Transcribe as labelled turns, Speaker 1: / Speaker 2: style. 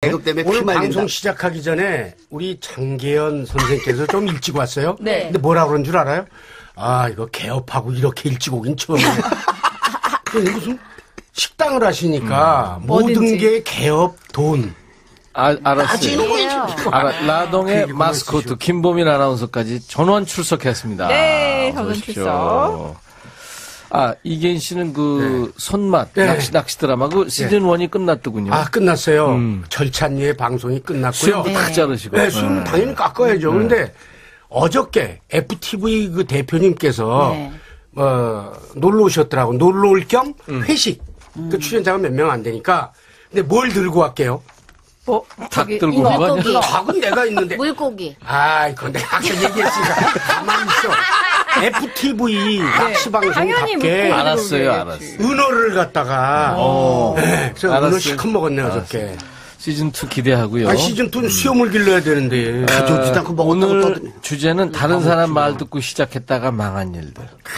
Speaker 1: 계급 때문에
Speaker 2: 오늘
Speaker 1: 피 말린다.
Speaker 2: 방송 시작하기 전에 우리 장계연 선생께서 좀 일찍 왔어요.
Speaker 3: 네.
Speaker 2: 근데 뭐라 그런 줄 알아요? 아, 이거 개업하고 이렇게 일찍 오긴 처음이에요. 근데 무슨 식당을 하시니까 모든
Speaker 3: 뭐든지.
Speaker 2: 게 개업 돈.
Speaker 4: 알았어요. 라동의
Speaker 2: 그
Speaker 4: 마스코트 김보민 아나운서까지 전원 출석했습니다.
Speaker 3: 네, 전원
Speaker 4: 어서 오십시오.
Speaker 3: 출석.
Speaker 4: 이계인 씨는 그 손맛
Speaker 2: 네.
Speaker 4: 낚시 드라마 그 시즌 1이 끝났더군요.
Speaker 2: 아, 끝났어요. 절찬리의 방송이 끝났고요.
Speaker 4: 수염도 탁 자르시고.
Speaker 2: 네, 수염은 당연히 깎아야죠. 그런데 어저께 FTV 그 대표님께서
Speaker 3: 네.
Speaker 2: 놀러 오셨더라고. 놀러 올 겸 회식. 그 출연자가 몇 명 안 되니까. 근데 뭘 들고 갈게요?
Speaker 4: 닭 들고 온 거 아니야?
Speaker 5: 물고기.
Speaker 2: 닭은 내가 있는데.
Speaker 5: 물고기.
Speaker 2: 아, 이거 내가 아까 얘기했으니까 가만히 있어. FTV 낚시
Speaker 3: 당연히
Speaker 2: 방송답게
Speaker 4: 알았어요.
Speaker 2: 은어를 갖다가 네, 그래서
Speaker 4: 알았어요.
Speaker 2: 은어 시컷 먹었네 어저께.
Speaker 4: 시즌 2 기대하고요.
Speaker 2: 아, 시즌2는 수염을 길러야 되는데.
Speaker 1: 가져오지도 않고 먹었다고
Speaker 4: 오늘
Speaker 1: 떠드네.
Speaker 4: 주제는 다른 사람 말 듣고 시작했다가 망한 일들.